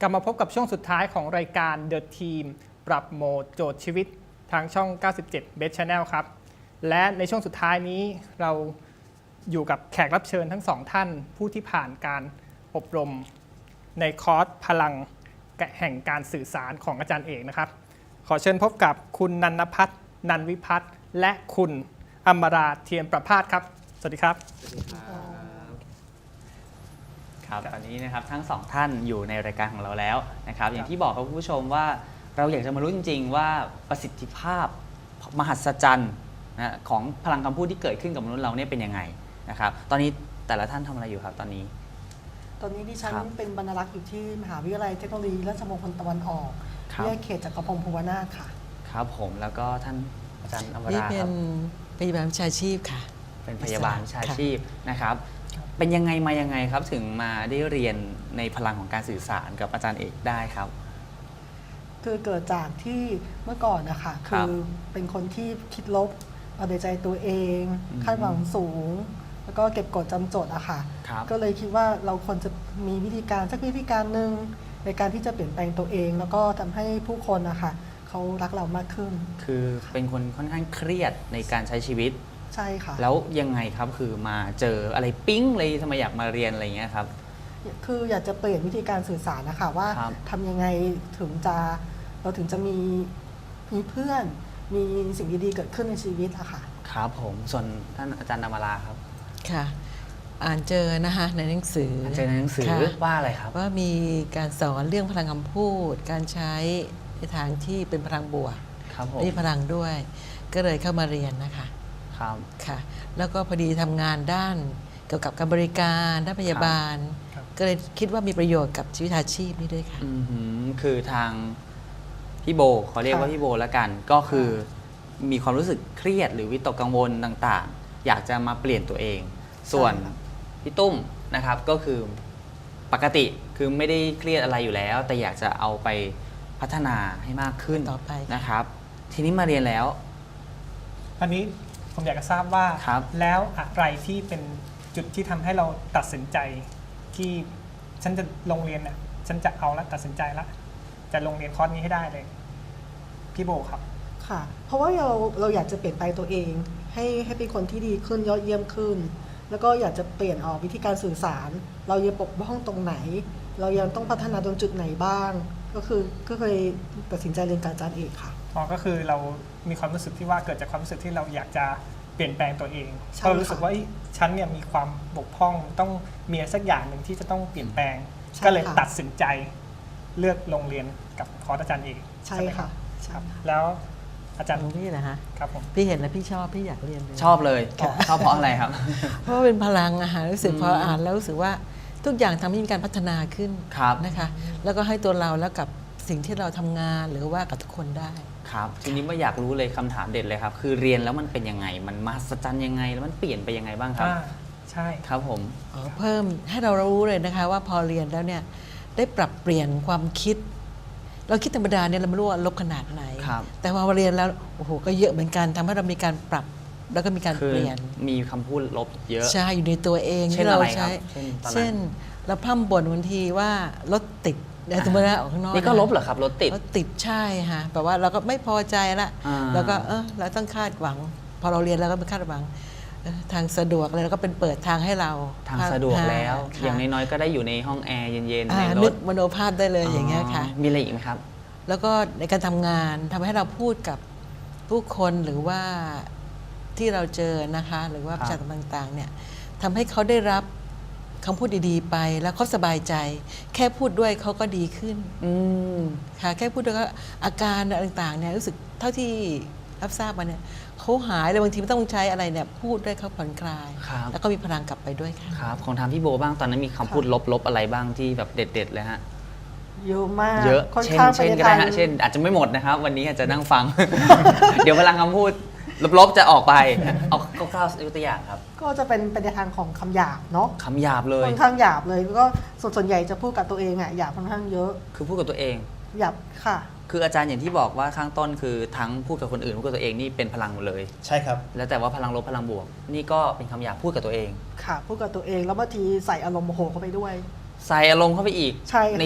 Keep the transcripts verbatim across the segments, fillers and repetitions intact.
กลับมาพบกับช่วงสุดท้ายของรายการ The Team ปรับโหมดโจทย์ชีวิตทางช่อง เก้าสิบเจ็ด Best Channel ครับ และในช่วงสุดท้ายนี้เราอยู่กับแขกรับเชิญทั้งสองท่านผู้ที่ผ่านการอบรมในคอร์สพลังแห่งการสื่อสารของอาจารย์เอกนะครับ ขอเชิญพบกับคุณนันทพัฒน์นันวิพัฒน์และคุณอมราเทียมประภาสครับสวัสดีครับสวัสดีครับครับตอนนี้นะครับทั้งสองท่านอยู่ในรายการของเราแล้วนะครับอย่างที่บอกครับคุณผู้ชมว่าเราอยากจะมารู้จริงๆว่าประสิทธิภาพมหัศจรรย์นะของพลังคำพูดที่เกิดขึ้นกับมนุษย์เราเนี่ยเป็นยังไงนะครับตอนนี้แต่ละท่านทำอะไรอยู่ครับตอนนี้ตอนนี้ดิฉันเป็นบรรณารักษ์อยู่ที่มหาวิทยาลัยเทคโนโลยีราชมงคลตะวันออกวิทยาเขตจักรพงศ์ภูวนาถค่ะครับผมแล้วก็ท่านอาจารย์อมราครับนี่เป็นพยาบาลวิชาชีพค่ะเป็นพยาบาลวิชาชีพนะครับเป็นยังไงมายังไงครับถึงมาได้เรียนในพลังของการสื่อสารกับอาจารย์เอกได้ครับคือเกิดจากที่เมื่อก่อนนะคะคือเป็นคนที่คิดลบเอาแต่ใจตัวเองคาดหวังสูงแล้วก็เก็บกดจำจดอะค่ะก็เลยคิดว่าเราควรจะมีวิธีการสักวิธีการหนึ่งในการที่จะเปลี่ยนแปลงตัวเองแล้วก็ทำให้ผู้คนนะคะเขารักเรามากขึ้นคือเป็นคนค่อนข้างเครียดในการใช้ชีวิตใช่ค่ะแล้วยังไงครับคือมาเจออะไรปิ๊งเลยทำไมอยากมาเรียนอะไรเงี้ยครับคืออยากจะเปลี่ยนวิธีการสื่อสารนะคะว่าทำยังไงถึงจะเราถึงจะมีมีเพื่อนมีสิ่งดีๆเกิดขึ้นในชีวิตอะค่ะครับผมส่วนท่านอาจารย์นามราครับค่ะอ่านเจอนะคะในหนังสือเจอในหนังสือว่าอะไรครับว่ามีการสอนเรื่องพลังคำพูดการใช้ในทางที่เป็นพลังบวกมีพลังด้วยก็เลยเข้ามาเรียนนะคะครับค่ะแล้วก็พอดีทำงานด้านเกี่ยวกับการบริการด้านพยาบาลก็เลยคิดว่ามีประโยชน์กับชีวิตอาชีพนี้ด้วยค่ะคือทางพี่โบเขาเรียกว่าพี่โบแล้วกันก็คือมีความรู้สึกเครียดหรือวิตกกังวลต่างๆอยากจะมาเปลี่ยนตัวเองส่วนพี่ตุ้มนะครับก็คือปกติคือไม่ได้เครียดอะไรอยู่แล้วแต่อยากจะเอาไปพัฒนาให้มากขึ้นต่อไปนะครับทีนี้มาเรียนแล้วอันนี้ผมอยากจะทราบว่าแล้วอะไรที่เป็นจุดที่ทำให้เราตัดสินใจที่ฉันจะลงเรียนน่ะฉันจะเอาแล้วตัดสินใจแล้วจะลงเรียนคอร์สนี้ให้ได้เลยพี่โบครับค่ะเพราะว่าเราเราอยากจะเปลี่ยนแปลงตัวเองให้ให้เป็นคนที่ดีขึ้นยอดเยี่ยมขึ้นแล้วก็อยากจะเปลี่ยนออกวิธีการสื่อสารเรายังปกป้องตรงไหนเรายังต้องพัฒนาตรงจุดไหนบ้างก็คือก็เคยตัดสินใจเรียนกับอาจารย์เอกค่ะอ๋อก็คือเรามีความรู้สึกที่ว่าเกิดจากความรู้สึกที่เราอยากจะเปลี่ยนแปลงตัวเองเรารู้สึกว่าฉันเนี่ยมีความบกพร่องต้องมีสักอย่างหนึ่งที่จะต้องเปลี่ยนแปลงก็เลยตัดสินใจเลือกลงเรียนกับคอร์สอาจารย์เอกใช่ค่ะครับแล้วอาจารย์พี่นะฮะครับผมพี่เห็นแล้วพี่ชอบพี่อยากเรียนเลยชอบเลยชอบเพราะอะไรครับเพราะเป็นพลังอาหารรู้สึกพออ่านแล้วรู้สึกว่าทุกอย่างทำให้มีการพัฒนาขึ้นนะคะแล้วก็ให้ตัวเราแล้วกับสิ่งที่เราทำงานหรือว่ากับทุกคนได้ครับทีนี้ว่าอยากรู้เลยคำถามเด็ดเลยครับคือเรียนแล้วมันเป็นยังไงมันมหัศจรรย์ยังไงแล้วมันเปลี่ยนไปยังไงบ้างครับใช่ครับผมเพิ่มให้เรารู้เลยนะคะว่าพอเรียนแล้วเนี่ยได้ปรับเปลี่ยนความคิดเราคิดธรรมดาเนี่ยเราไม่รู้ว่าลบขนาดไหนแต่พอมาเรียนแล้วโอ้โหก็เยอะเหมือนกันทำให้เรามีการปรับแล้วก็มีการเปลี่ยนมีคำพูดลบเยอะใช่อยู่ในตัวเองที่เราใช้เช่นเราพร่ำบ่นบางทีว่ารถติดแต่สมมติว่าออกข้างนอกนี่ก็ลบเหรอครับรถติดรถติดใช่ค่ะแปลว่าเราก็ไม่พอใจละแล้วก็เออเราต้องคาดหวังพอเราเรียนแล้วก็ไปคาดหวังทางสะดวกเลยแล้วก็เป็นเปิดทางให้เราทางสะดวกแล้วอย่างน้อยๆก็ได้อยู่ในห้องแอร์เย็นๆในรถนึกมโนภาพได้เลยอย่างเงี้ยค่ะมีอะไรอีกไหมครับแล้วก็ในการทำงานทำให้เราพูดกับผู้คนหรือว่าที่เราเจอนะคะหรือว่าประชาชนต่างๆเนี่ยทำให้เขาได้รับคำพูดดีๆไปแล้วเขาสบายใจแค่พูดด้วยเขาก็ดีขึ้นค่ะแค่พูดด้วยก็อาการต่างๆเนี่ยรู้สึกเท่าที่รับทราบมาเนี่ยเขาหายเลยบางทีไม่ต้องใช้อะไรเนี่ยพูดด้วยเขาผ่อนคลายแล้วก็มีพลังกลับไปด้วยค่ะครับของทางพี่โบบ้างตอนนั้นมีคำพูดลบๆอะไรบ้างที่แบบเด็ดๆเลยฮะเยอะมากเยอะเช่นเช่นก็ได้ฮะเช่นอาจจะไม่หมดนะครับวันนี้อาจจะนั่งฟัง เดี๋ยวพลังคำพูดลบๆจะออกไปเอาคร่าวๆยกตัวอย่างครับก็จะเป็นเป็นในทางของคำหยาบเนาะคำหยาบเลยค่อนข้างหยาบเลยก็ส่วนส่วนใหญ่จะพูดกับตัวเองอ่ะหยาบค่อนข้างเยอะคือพูดกับตัวเองหยาบค่ะคืออาจารย์อย่างที่บอกว่าข้างต้นคือทั้งพูดกับคนอื่นพูดกับตัวเองนี่เป็นพลังหมดเลยใช่ครับแล้วแต่ว่าพลังลบพลังบวกนี่ก็เป็นคำหยาบพูดกับตัวเองค่ะพูดกับตัวเองแล้วบางทีใส่อารมณ์โมโหเข้าไปด้วยใส่อารมณ์เข้าไปอีกใช่ค่ะ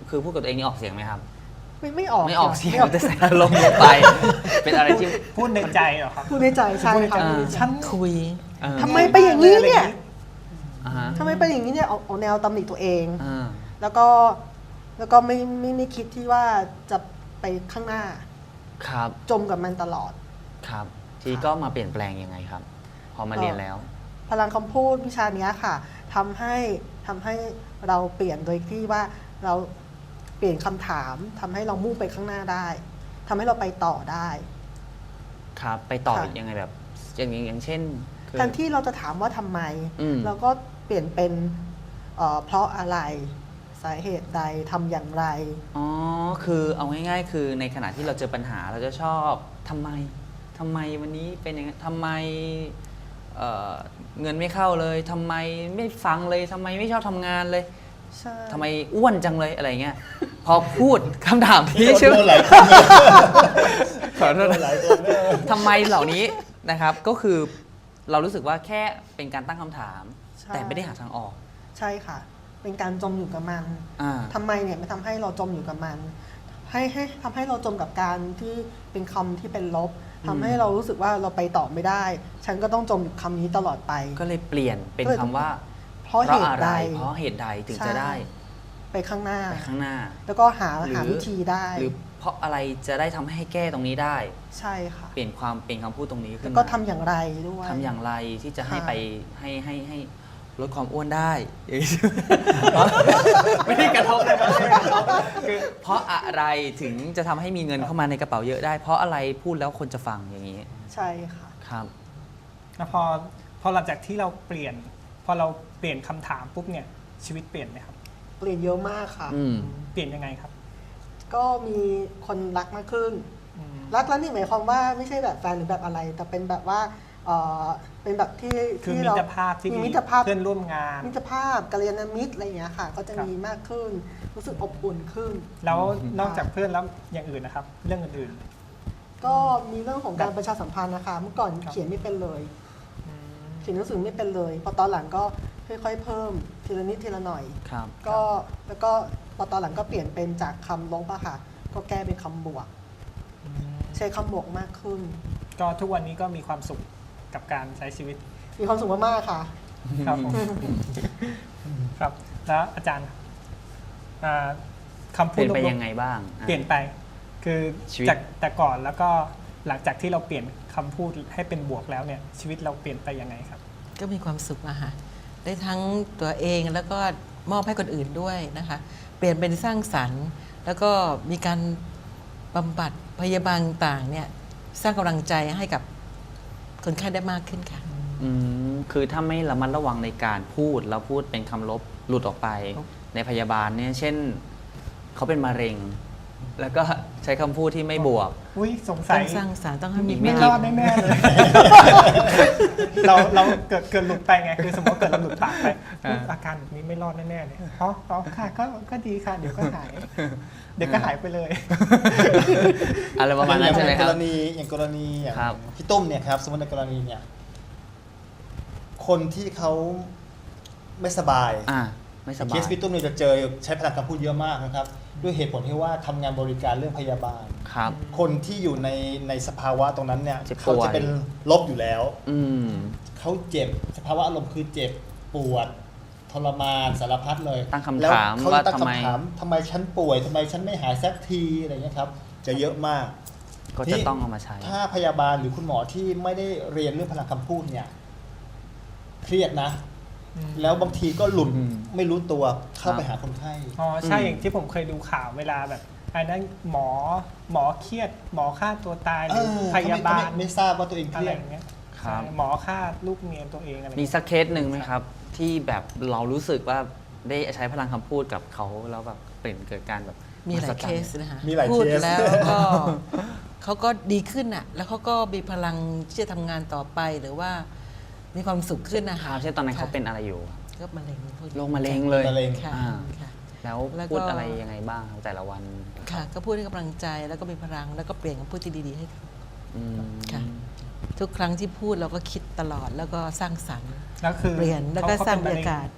คือพูดกับตัวเองนี่ออกเสียงไหมครับไม่ไม่ออกไม่ออกเสียงไม่ออกแต่ใส่อารมณ์ลงไป เป็นอะไรที่พูดในใจเหรอครับพูดในใจใช่ค่ะอ่าฉันคุยเออทำไมไปอย่างนี้เนี่ยอ่าฮะทำไมไปอย่างนี้เนี่ยเอาเอาแนวตำหนิตัวเองอ่าแล้วก็แล้วก็ไม่ไม่ไม่คิดที่ว่าจะไปข้างหน้าครับจมกับมันตลอดครับ ทีก็มาเปลี่ยนแปลงยังไงครับ พอมาเรียนแล้วพลังคำพูดวิชาเนี้ยค่ะทำให้ทำให้เราเปลี่ยนโดยที่ว่าเราเปลี่ยนคำถามทำให้เรามุ่งไปข้างหน้าได้ทำให้เราไปต่อได้ครับ ไปต่อค่ะยังไงแบบ อย่างอย่างเช่นคือแทนที่เราจะถามว่าทำไมอืมเราก็เปลี่ยนเป็นเอ่อเพราะอะไรสาเหตุใดทำอย่างไรอ๋อ คือเอาง่ายๆ คือในขณะที่เราเจอปัญหาเราจะชอบทำไมทำไมวันนี้เป็นอย่างนั้นทำไมเอ่อเงินไม่เข้าเลยทำไมไม่ฟังเลยทำไมไม่ชอบทำงานเลยใช่ทำไมอ้วนจังเลยอะไรเงี้ย พอพูดคำถามที่ชื่อโดนหลายคนขอโทษโดนหลายคนเลยทำไมเหล่านี้นะครับ ก็คือเรารู้สึกว่าแค่เป็นการตั้งคำถามใช่แต่ไม่ได้หาทางออกใช่ค่ะ เป็นการจมอยู่กับมันอ่าทำไมเนี่ยมันทำให้เราจมอยู่กับมัน ให้ให้ทำให้เราจมกับการที่เป็นคำที่เป็นลบทำให้เรารู้สึกว่าเราไปต่อไม่ได้ ฉันก็ต้องจมอยู่คำนี้ตลอดไปก็เลยเปลี่ยนเป็นคำว่าเพราะเหตุอะไรใดเพราะเหตุใดถึงใช่จะได้ไปข้างหน้าไปข้างหน้าแล้วก็หาหรือหาวิธีได้หรือเพราะอะไรจะได้ทำให้แก้ตรงนี้ได้ใช่ค่ะเปลี่ยนความเป็นคำพูดตรงนี้ขึ้แล้นวมาก็ทำอย่างไรด้วยทำอย่างไรที่จะให้ค่ะไปให้ให้ให้ลดความอ้วนได้อย่างนี้ไม่ได้กระทบเลยนะคือเพราะอะไรถึงจะทำให้มีเงินเข้ามาในกระเป๋าเยอะได้ เพราะอะไรพูดแล้วคนจะฟังอย่างนี้ใช่ค่ะครับแล้วพอพอหลังจากที่เราเปลี่ยน พอเราเปลี่ยนคำถามปุ๊บเนี่ยชีวิตเปลี่ยนไหมครับเปลี่ยนเยอะมากค่ะอืมเปลี่ยนยังไงครับก็มีคนรักมากขึ้นอืมรักแล้วนี่หมายความว่าไม่ใช่แบบแฟนหรือแบบอะไร แต่เป็นแบบว่าเอ่อเป็นแบบที่คือที่มิเราตรภาพที่มีดีมิตรภาพเพื่อนร่วมงานมิตรภาพกัลยาณมิตรอะไรอย่างเงี้ยค่ะ ก็จะครับมีมากขึ้น รู้สึกอบอุ่นขึ้นแล้วนอกจากเพื่อนแล้วอย่างอื่นนะครับ เรื่องอื่นก็มีเรื่องของการประชาสัมพันธ์นะคะ เมื่อก่อนครับเขียนไม่เป็นเลยๆอืมเขียนหนังสือไม่เป็นเลย พอตอนหลังก็ค่อยๆเพิ่มทีละนิดทีละหน่อยครับก็แล้วก็พอตอนหลังก็เปลี่ยนเป็นจากคำลบอะค่ะ ก็แก้เป็นคำบวก ใช้คำบวกมากขึ้นก็ทุกวันนี้ก็มีความสุขกับการใช้ชีวิตมีความสุขมากๆค่ะครับผมครับ แล้วอาจารย์อ่าคำเปพูดลี่ยนไปลบๆยังไงบ้างอ่ะเปลี่ยนไป คือชีวิตจากแต่ก่อนแล้วก็หลังจากที่เราเปลี่ยนคำพูดให้เป็นบวกแล้วเนี่ย ชีวิตเราเปลี่ยนไปยังไงครับก็มีความสุขอะค่ะได้ทั้งตัวเองแล้วก็มอบให้คนอื่นด้วยนะคะ เปลี่ยนเป็นสร้างสรรค์ แล้วก็มีการบำบัดพยาบาลต่างเนี่ยสร้างกำลังใจให้กับคนไข้ได้มากขึ้นค่ะอืมคือถ้าไม่ระมัดระวังในการพูดแล้วพูดเป็นคำลบหลุดออกไปครับในพยาบาลเนี่ยเช่นเขาเป็นมะเร็ง แล้วก็ใช้คำพูดที่ไม่บวกอุ้ยสงสัต้อย งสร้างสรรค์ต้องให้มีไม่ไม่กี่รอดแน่ๆเลย เราเราเกิดเกิดหลุดไปไง คือสมมติเกิดเราหลุดปากไปอุ๊ยอาการแบบนี้ไม่รอดแน่ๆเลยอ๋ออ๋อค่ะก็ก็ดีค่ะ เดี๋ยวก็หาย เดี๋ยวก็หายไปเลยอะไรประมาณนั้นใช่ไหมคกรับรณีอย่างกรณีอย่างครับพี่ตุ้มเนี่ยครับสมมติในกรณีเนี่ยคนที่เขาไม่สบายอ่าไม่สเคบายสพี่ตุ้มเนี่ยจะเจอใช้พลังคำพูดเยอะมากนะครับ ด้วยเหตุผลที่ว่าทำงานบริการเรื่องพยาบาลครับคนที่อยู่ในในสภาวะตรงนั้นเนี่ยเจ็บป่วยเขาจะเป็นลบอยู่แล้วอืมเขาเจ็บสภาวะอารมณ์คือเจ็บปวดทรมานสารพัดเลยตั้งคำแล้วถามเขาว่าตั้งทำไมคำถามทำไมฉันป่วยทำไมฉันไม่หายสักทีอะไรเงี้ยครับ จะเยอะมากก็จะต้องเอามาใช้ถ้าพยาบาลหรือคุณหมอที่ไม่ได้เรียนเรื่องพลังคำพูดเนี่ยเครียดนะอืมแล้วบางทีก็หลุดอืมไม่รู้ตัวเข้าครับไปหาคนไข้อ๋อใช่อืมอย่างที่ผมเคยดูข่าวเวลาแบบอันนั้นหมอหมอเครียด หมอฆ่าตัวตายหรือเออพยาบาลเขไม่ไม่ทราบว่าตัวเองเคอะไรรียดอย่างเงี้ยครับใช่หมอฆ่าลูกเมียตัวเองอะไรมีสักเคสหนึ่งไหมครับ ที่แบบเรารู้สึกว่าได้ใช้พลังคำพูดกับเขาแล้วแบบเปลี่ยนเกิดการแบบมีหลายมหัศเคจรรสย์นะคะมีหลายพูดเคสแล้วก็ เขาก็ดีขึ้นอ่ะ แล้วเขาก็มีพลังที่จะทำงานต่อไปหรือว่ามีความสุขขึ้นนะคคะรับเช่นตอนนั้นเขาค่ะเป็นอะไรอยู่ก็มะเร็งพูดโรคมะเร็งเลยมะเร็งค่ะอ่าค่ะแล้วแล้วก็พูดอะไรยังไงบ้างครับแต่ละวันค่ะ ก็พูดให้กำลังใจแล้วก็มีพลังแล้วก็เปลี่ยนคำพูดที่ดีๆให้เขาอืมค่ะ ทุกครั้งที่พูดเราก็คิดตลอดแล้วก็สร้างสรรค์แล้วคือเปลี่ยนแล้วก็ขสร้างขบรป็รนมะยากาศเ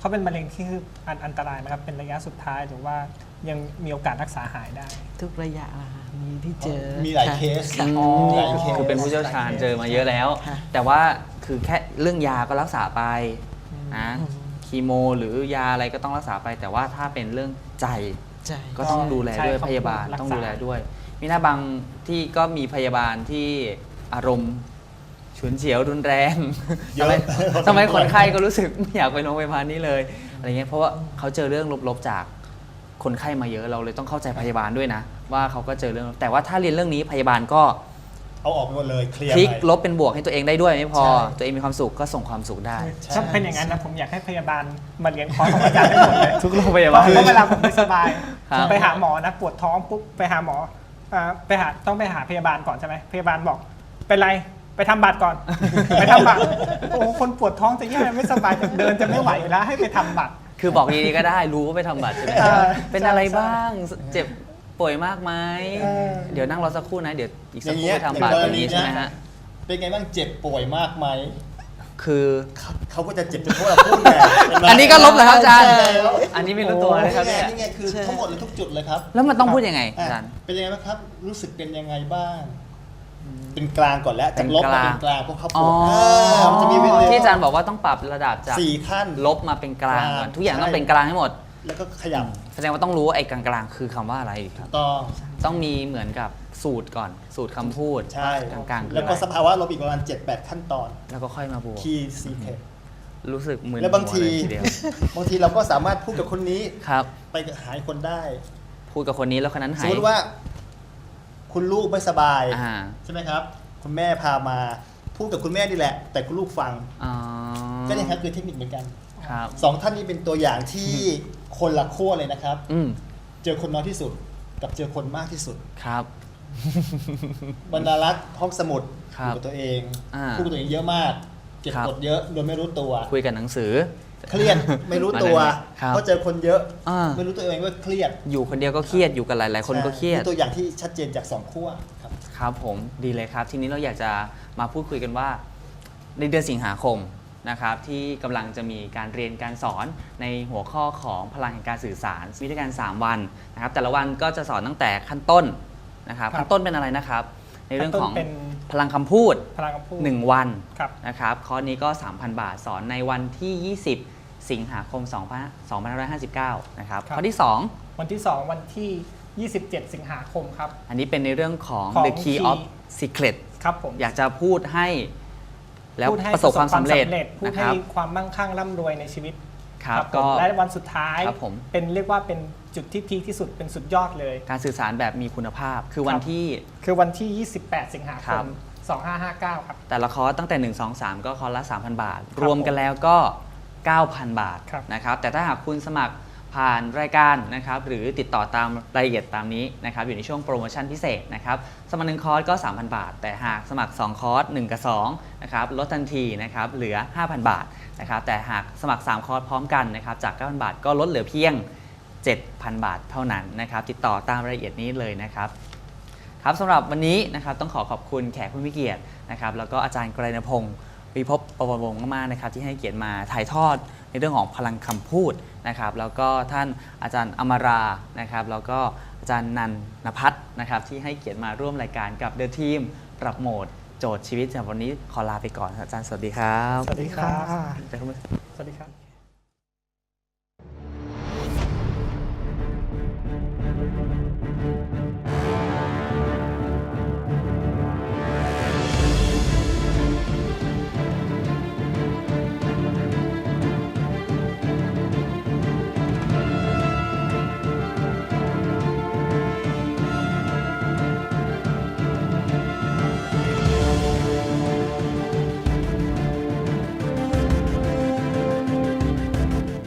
เขาเป็นมะเร็งที่คืออันอันตรายนะครับเป็นระยะสุดท้ายหรือว่ายังมีโอกาสรักษาหายได้ทุกระยะอะค่ะมีที่เจอมีหลายค่ะเคสค่ะอ๋อหลายเคสคือเป็นผู้เชี่ยวชาญเจอมาเยอะแล้วค่ะแต่ว่าคือแค่เรื่องยาก็รักษาไปนะคีโมหรือยาอะไรก็ต้องรักษาไป แต่ว่าถ้าเป็นเรื่องใจใจก็ต้องดูแลด้วยใช่พยาบาลรักษาต้องดูแลด้วย มีหน้าบางที่ก็มีพยาบาลที่อารมณ์ฉุนเฉียวรุนแรงเยทำอะไมทำไมคนไข้ก็รู้สึกไม่อยากไปโรงพยาบาลนี้เลยอะไรเงี้ยเพราะว่าเขาเจอเรื่องลบๆจากคนไข้มาเยอะเราเลยต้องเข้าใจพยาบาลด้วยนะ ว่าเขาก็เจอเรื่องแต่ว่าถ้าเรียนเรื่องนี้พยาบาลก็เอาออกไปหมดเลยเคลียร์พลิกไปลบเป็นบวกให้ตัวเองได้ด้วยไม่พอใช่ตัวเองมีความสุขก็ส่งความสุขได้ถ้าเป็นอย่างนั้นนะผมอยากให้พยาบาลมาเรียนคอร์สของอาจารย์ได้หมดเลยทุกโรงพยาเพบาลราะเวลาผมไม่สบายครับไปหาหมอนะปวดท้องปุ๊บไปหาหมออ่าไปหาต้องไปหาพยาบาลก่อนใช่ไหมพยาบาลบอกเป็นไรไปทำบัตรก่อน ไปทำบัตรโอ้โหคนปวดท้องจะแย่ไม่สบายจะเดินจะไม่ไหวอยู่แล้วให้ไปทำบัตรคือบอกดีๆก็ได้รู้ว่าไปทำบัตรใช่ไหมเออเป็นอะไรใช่บ้างเจ็บป่วยมากไหมเออเดี๋ยวนั่งรอสักครู่นะเดี๋ยวอีกอสักย่างครู่เงี้ยไปทำบัตรออย่าง นี้ใช่ไหมกรณีฮะเป็นไงบ้างเจ็บป่วยมากไหมคือเขาเขาก็จะเจ็บจนพวกเราพูดไงเห็ไหมอันนี้ก็ลบเหรอครับอาจารย์ใช่แล้วอันนี้ไม่รู้ตัวนะครับนี่เนี่ยไงนี่ไงคือทั้งหมดเลยทุกจุดเลยครับแล้วมันต้องพูดยังไงอาอ่ะจารย์เป็นยังไงบ้างครับ รู้สึกเป็นยังไงบ้าง เป็นกลางก่อนแล้วจากลบมาเป็นกลางพวกเขาปอ๋อวดามันจะมีเวลาที่อาจารย์บอกว่าต้องปรับระดับจากสี่ขั้นลบมาเป็นกลางก่อนกลางทุกอย่างต้องใช่เป็นกลางให้หมดแล้วก็ขยับแสดงว่าต้องรู้ว่าไอ้กลางๆคือคำว่าอะไรครับต้องต้องมีเหมือนกับสูตรก่อน สูตรคำพูดใช่กลางๆคือแล้วอะก็ไรสภาวะลบอีกประมาณเจ็ดแปดขั้นตอนแล้วก็ค่อยมาบวกคีย์ซีเคทรู้สึกมึนแล้วบางทีหัวเลยเดียวบางทีเราก็สามารถพูดกับคนนี้ครับไปหายคนได้พูดกับคนนี้แล้วคนนั้นสหาม ยมติว่า คุณลูกไม่สบายอ่าใช่ไหมครับ คุณแม่พามาพูดกับคุณแม่นี่แหละ แต่คุณลูกฟังอ๋อก็เนี่ยครับคือเทคนิคเหมือนกันครับสองท่านนี้เป็นตัวอย่างที่คนละขั้วเลยนะครับอืมเจอคนน้อยที่สุด กับเจอคนมากที่สุดครับบรรดารักษ์ห้องสมุดคอรับยู่กับตัวเองอ่าพูดกับตัวเองเยอะมาก เก็บครับกดเยอะโดยไม่รู้ตัวคุยกับหนังสือเครียดไม่รู้ตัวครับเพราะเจอคนเยอะอ่าไม่รู้ตัวเองว่าเครียดอยู่คนเดียวก็เครียดอยู่กับหลาย ๆ คนก็เครียดนี่ตัวอย่างที่ชัดเจนจากสองขั้วครับครับผมดีเลยครับ ทีนี้เราอยากจะมาพูดคุยกันว่า ในเดือนสิงหาคมนะครับที่กำลังจะมีการเรียนการสอนในหัวข้อของพลังแห่งการสื่อสารมีด้วยกันสามวันนะครับแต่ละวันก็จะสอนตั้งแต่ขั้นต้นนะครับครับขั้นต้นเป็นอะไรนะครับ ในเรื่องของขั้นต้นเป็นพลังคำพูดพลังคำพูดหนึ่งวันครับนะครับคอร์สนี้ก็ สามพัน บาทสอนในวันที่ ยี่สิบ สิงหาคม สองพันห้าร้อยห้าสิบเก้า นะครับครับข้อที่ สองวันที่สองวันที่ยี่สิบเจ็ดสิงหาคมครับอันนี้เป็นในเรื่องของของ the key key of secret ครับผมอยากจะพูดให้แล้วพูดให้ประสบความสำเร็จพูดนะคให้รับความมั่งคั่งร่ำรวยในชีวิตครับผมก็และวันสุดท้ายครับผมเป็นเรียกว่าเป็นจุดที่พีคที่สุดเป็นสุดยอดเลยการสื่อสารแบบมีคุณภาพ คือวันที่คือวันที่ ยี่สิบแปด สิงหาคครัมบสองพันห้าร้อยห้าสิบเก้า ครับแต่ละคอร์สตั้งแต่ หนึ่ง สอง สาม ก็คอร์สละ สามพัน บาทครับรวมกันแล้วก็ เก้าพัน บาทครับนะครับแต่ถ้าหากคุณสมัครผ่านรายการนะครับหรือติดต่อตามรายละเอียดตามนี้นะครับอยู่ในช่วงโปรโมชั่นพิเศษนะครับสมัครหนึ่งคอร์สก็ สามพัน บาท แต่หากสมัครสองคอร์สหนึ่งกับสองนะครับลดทันทีนะครับเหลือ ห้าพัน บาทนะครับแต่หากสมัครสามคอร์สพร้อมกันนะครับจาก เก้าพัน บาทก็ลดเหลือเพียง เจ็ดพัน บาทเท่านั้นนะครับติดต่อตามรายละเอียดนี้เลยนะครับครับสำหรับวันนี้นะครับต้องขอขอบคุณแขกผู้มีเกียรตินะครับแล้วก็อาจารย์ไกรณพงศ์วิภพประวัติวงศ์มากๆนะครับที่ให้เกียรติมาถ่ายทอดในเรื่องของพลังคำพูดนะครับแล้วก็ท่านอาจารย์อมรานะครับแล้วก็อาจารย์นันนภัทรนะครับที่ให้เกียรติมาร่วมรายการกับ The Team ปรับโหมดโจทย์ชีวิตสำหรับวันนี้ขอลาไปก่อนครับอาจารย์สวัสดีครับสวัสดีครับอาจารย์สวัสดีครับ